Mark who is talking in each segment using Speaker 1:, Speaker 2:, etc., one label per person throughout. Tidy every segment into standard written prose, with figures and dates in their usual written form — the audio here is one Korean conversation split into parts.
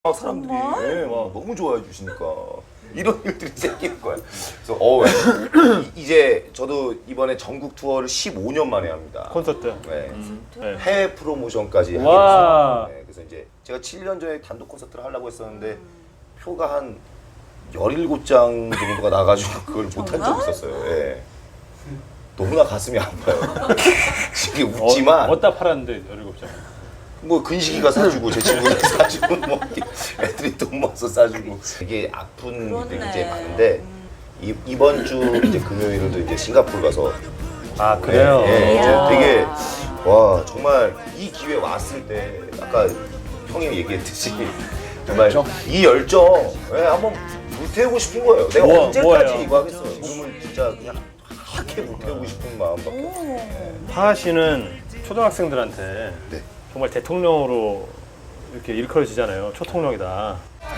Speaker 1: 사람들이 예, 막 너무 좋아해 주시니까 이런 일들이 생기는 거야. 그래서 이제 저도 이번에 전국 투어를 15년 만에 합니다.
Speaker 2: 콘서트.
Speaker 1: 네.
Speaker 2: 네.
Speaker 1: 해외 프로모션까지 하게
Speaker 2: 와.
Speaker 1: 됐어요. 네, 그래서 이제 제가 7년 전에 단독 콘서트를 하려고 했었는데 표가 한 17장 정도가 나가지고 그걸 못한 적이 있었어요. 예. 너무나 가슴이 아파요. 지금 웃지만
Speaker 2: 어디다 팔았는데 17장.
Speaker 1: 뭐 근식이가 사주고 제 친구가 사주고 뭐 애들이 돈 모아서 사주고 이게 아픈 일들이 이제 많은데 이번 주 이제 금요일도 이제 싱가포르 가서
Speaker 2: 아 그래요?
Speaker 1: 예, 이제 되게 와 정말 이 기회 왔을 때 아까 형이 얘기했듯이 정말 이 열정 예, 한번 불태우고 싶은 거예요. 내가 언제까지
Speaker 2: 뭐예요?
Speaker 1: 이거 하겠어? 이거는 진짜 그냥 하얗게 불태우고 싶은 마음밖에 없어요.
Speaker 2: 하하 씨는 초등학생들한테
Speaker 1: 네.
Speaker 2: 정말 대통령으로 이렇게 일컬어지잖아요. 초통령이다.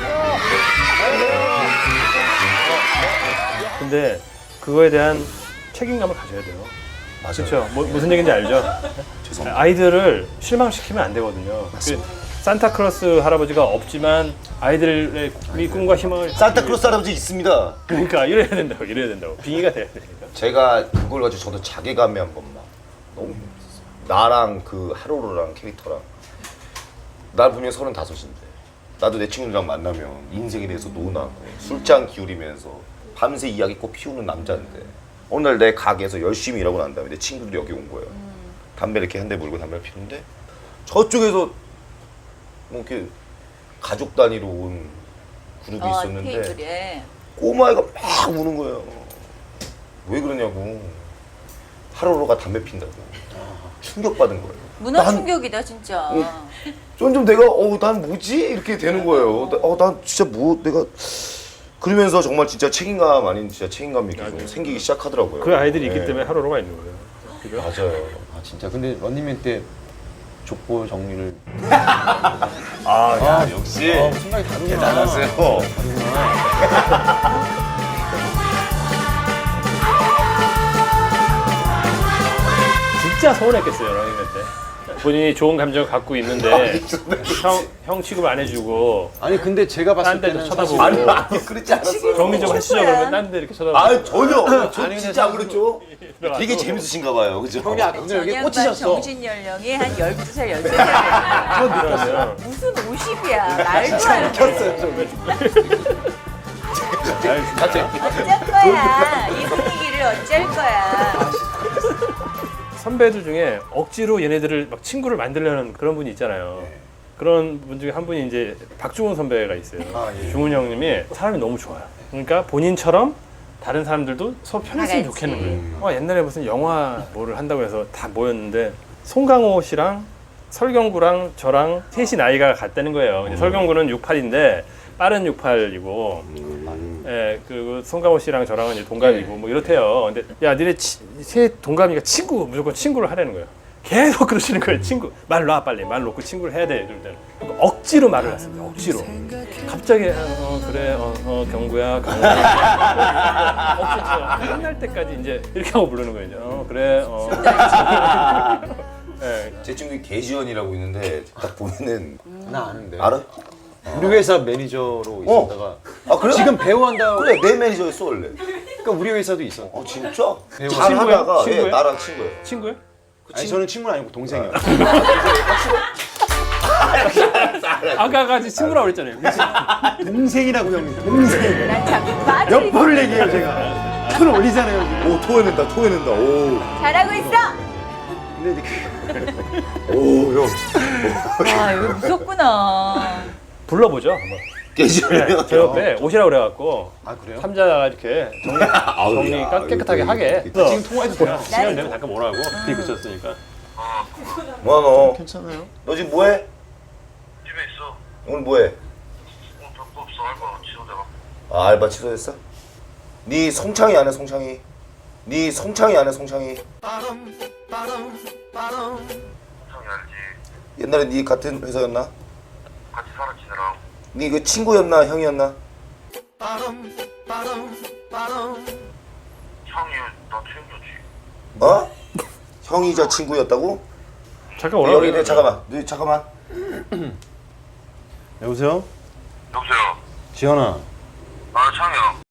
Speaker 2: 근데 그거에 대한 책임감을 가져야 돼요.
Speaker 1: 맞아요.
Speaker 2: 그렇죠? 무슨 얘기인지 알죠?
Speaker 1: 죄송합니다.
Speaker 2: 아이들을 실망시키면 안 되거든요. 그 산타클로스 할아버지가 없지만 아이들의 꿈과 희망을
Speaker 1: 산타클로스 할아버지 있습니다.
Speaker 2: 그러니까 이래야 된다고 빙의가 돼야 되니까.
Speaker 1: 제가 그걸 가지고 저도 자괴감이 한 번 막 너무 힘들었어요. 나랑 그 하루루랑 캐릭터랑 나 분명 35인데 나도 내 친구들이랑 만나면 인생에 대해서 논하고 술잔 기울이면서 밤새 이야기꽃 피우는 남자인데 어느 날 내 가게에서 열심히 일하고 난 다음에 내 친구들이 여기 온 거예요. 담배 이렇게 한 대 물고 담배를 피우는데 저쪽에서 뭐 이렇게 가족 단위로 온 그룹이 있었는데
Speaker 3: 테이블에.
Speaker 1: 꼬마애가 막 우는 거예요. 왜 그러냐고. 하루루가 담배 핀다고. 충격받은 거예요.
Speaker 3: 문화
Speaker 1: 난-
Speaker 3: 충격이다 진짜.
Speaker 1: 좀 내가 난 뭐지? 이렇게 되는 거예요. 난 진짜 내가 그러면서 정말 진짜 책임감 아닌 진짜 책임감이 계속 생기기 시작하더라고요.
Speaker 2: 그 아이들이 있기
Speaker 1: 네.
Speaker 2: 때문에 하루루가 있는 거예요. 그죠?
Speaker 1: 맞아요.
Speaker 4: 아 진짜 근데 런닝맨 때 족보 정리를
Speaker 1: 역시
Speaker 4: 생각이 다르구나.
Speaker 1: 대단하세요.
Speaker 2: 진짜 서운했겠어요 러닝맨 때. 본인이 좋은 감정을 갖고 있는데 형 취급 안 해주고
Speaker 4: 아니 근데 제가 봤을
Speaker 2: 딴 데도
Speaker 4: 때는
Speaker 2: 쳐다보고.
Speaker 4: 사실
Speaker 1: 아니 그렇지 않았어요.
Speaker 2: 정리 좀 하시죠
Speaker 3: 거야.
Speaker 2: 그러면 딴 데 이렇게 쳐다보고.
Speaker 1: 전혀. 저
Speaker 4: 아니, 근데
Speaker 1: 진짜 안 그랬죠? 되게 재밌으신가 봐요. 그죠?
Speaker 4: 형이 아까 오늘 여기
Speaker 3: 전양반
Speaker 4: 꽂히셨어.
Speaker 3: 정신 연령이 한 12살, 13살.
Speaker 2: 그러면
Speaker 3: 무슨 50이야. 말도 안 돼. 어쩔 거야. 이 분위기를 어쩔 거야.
Speaker 2: 선배들 중에 억지로 얘네들을 막 친구를 만들려는 그런 분이 있잖아요. 그런 분 중에 한 분이 이제 박중훈 선배가 있어요. 중훈 형님이 사람이 너무 좋아요. 그러니까 본인처럼 다른 사람들도 서로 편했으면
Speaker 3: 다 같이.
Speaker 2: 좋겠는 거예요. 옛날에 무슨 영화 뭐를 한다고 해서 다 모였는데 송강호 씨랑 설경구랑 저랑 셋이 나이가 같다는 거예요. 이제 설경구는 68인데 빠른 68이고, 예, 그 송강호 씨랑 저랑은 이제 동갑이고 뭐 이렇대요. 근데 야, 니네 셋 동갑이니까 무조건 친구를 하라는 거예요. 계속 그러시는 거예요. 친구 말 놔 빨리 말 놓고 친구를 해야 돼. 이럴 때는 억지로 말을 했습니다. 억지로. 갑자기 그래 경구야 억지로 끝날 때까지 이제 이렇게 하고 부르는 거예요. 이제. 그래 예.
Speaker 1: 제 친구 개지원이라고 있는데 딱 보면은
Speaker 4: 나 아는데.
Speaker 1: 알아?
Speaker 4: 우리 회사 매니저로 있었다가
Speaker 1: 아 그래?
Speaker 4: 지금 배우 한다고.
Speaker 1: 그래 내 매니저였어 원래.
Speaker 4: 그러니까 우리 회사도 있어.
Speaker 1: 진짜?
Speaker 4: 배우.
Speaker 1: 잘 하다가
Speaker 2: 친구예요?
Speaker 1: 예, 나랑 친구예요.
Speaker 2: 친구예요?
Speaker 4: 아니 저는 친구는 아니고 동생이요.
Speaker 2: 아까까지 친구라고 그랬잖아요.
Speaker 4: 동생이라고 형님. 동생.
Speaker 3: 난 자꾸 말을
Speaker 4: 몇 번을 얘기해요 제가. 손 올리잖아요. 지금.
Speaker 1: 오 토해낸다. 오.
Speaker 3: 잘하고 있어.
Speaker 4: 근데 이제
Speaker 1: 오 형.
Speaker 3: 와, 이거 무섭구나.
Speaker 2: 불러보죠. 한번.
Speaker 1: 개지원이요.
Speaker 2: 제 옆에 오시라고 그래가지고
Speaker 4: 아 그래요?
Speaker 2: 삼자가 이렇게 정리 깨끗하게 하게.
Speaker 4: 지금 통화해도 돼요.
Speaker 2: 시간 되면 잠깐 오라고. 비 그쳤으니까.
Speaker 1: 뭐야 너?
Speaker 4: 괜찮아요?
Speaker 1: 너 지금 뭐해?
Speaker 5: 집에 있어.
Speaker 1: 오늘 뭐해?
Speaker 5: 별거 없어. 알바 취소돼가.
Speaker 1: 아 알바 취소했어? 네 송창이 아니야 송창이? 네 송창이 아니야 송창이?
Speaker 5: 형이 알지.
Speaker 1: 옛날에 네 같은 회사였나?
Speaker 5: 같이 살아 지내라.
Speaker 1: 네 그 친구였나 형이었나?
Speaker 5: 형이 나 챙겨지.
Speaker 1: 어? 형이자 친구였다고?
Speaker 2: 잠깐 오라고.
Speaker 1: 여기 네 잠깐만. 네 잠깐만.
Speaker 4: 여보세요?
Speaker 5: 여보세요.
Speaker 4: 지현아,
Speaker 5: 아, 창